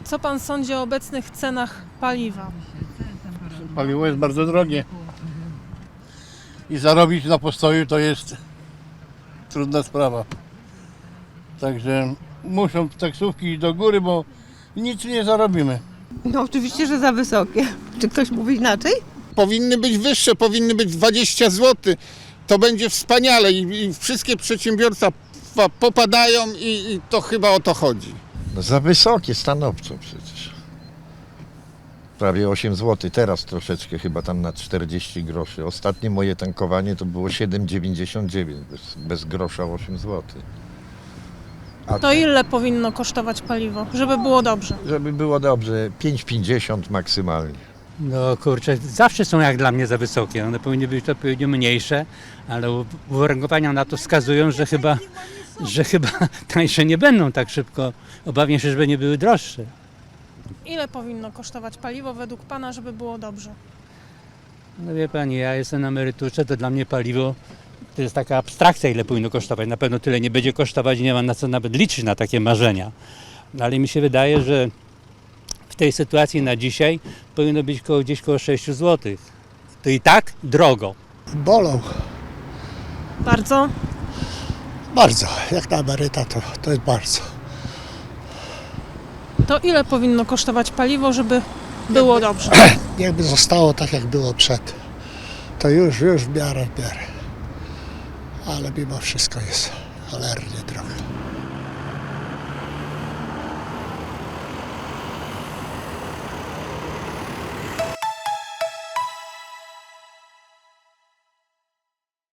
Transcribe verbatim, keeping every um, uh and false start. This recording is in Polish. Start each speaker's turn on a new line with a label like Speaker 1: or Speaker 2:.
Speaker 1: Co pan sądzi o obecnych cenach paliwa?
Speaker 2: Paliwo jest bardzo drogie i zarobić na postoju to jest trudna sprawa. Także muszą taksówki iść do góry, bo nic nie zarobimy.
Speaker 3: No oczywiście, że za wysokie. Czy ktoś mówi inaczej?
Speaker 4: Powinny być wyższe, powinny być dwadzieścia złotych. To będzie wspaniale i, i wszystkie przedsiębiorstwa popadają i, i to chyba o to chodzi.
Speaker 5: No za wysokie, stanowczo przecież. Prawie osiem złotych, teraz troszeczkę chyba tam na czterdzieści groszy. Ostatnie moje tankowanie to było siedem dziewięćdziesiąt dziewięć, bez, bez grosza osiem złotych. A
Speaker 1: To ile powinno kosztować paliwo, żeby było dobrze?
Speaker 5: żeby było dobrze, pięć pięćdziesiąt maksymalnie.
Speaker 6: No kurczę, zawsze są jak dla mnie za wysokie. One powinny być odpowiednio mniejsze, ale uwarunkowania na to wskazują, że chyba, że chyba tańsze nie będą tak szybko. Obawiam się, żeby nie były droższe.
Speaker 1: Ile powinno kosztować paliwo według pana, żeby było dobrze?
Speaker 6: No wie pani, ja jestem na emeryturze, to dla mnie paliwo to jest taka abstrakcja, ile powinno kosztować. Na pewno tyle nie będzie kosztować i nie ma na co nawet liczyć na takie marzenia. No, ale mi się wydaje, że w tej sytuacji na dzisiaj powinno być koło, gdzieś koło sześć złotych. To i tak drogo.
Speaker 7: Bolą.
Speaker 1: Bardzo?
Speaker 7: Bardzo. Jak na emeryta to, to jest bardzo.
Speaker 1: To ile powinno kosztować paliwo, żeby było dobrze?
Speaker 7: Jakby zostało tak, jak było przed, to już, już w miarę, w miarę. Ale mimo wszystko jest cholernie drogo.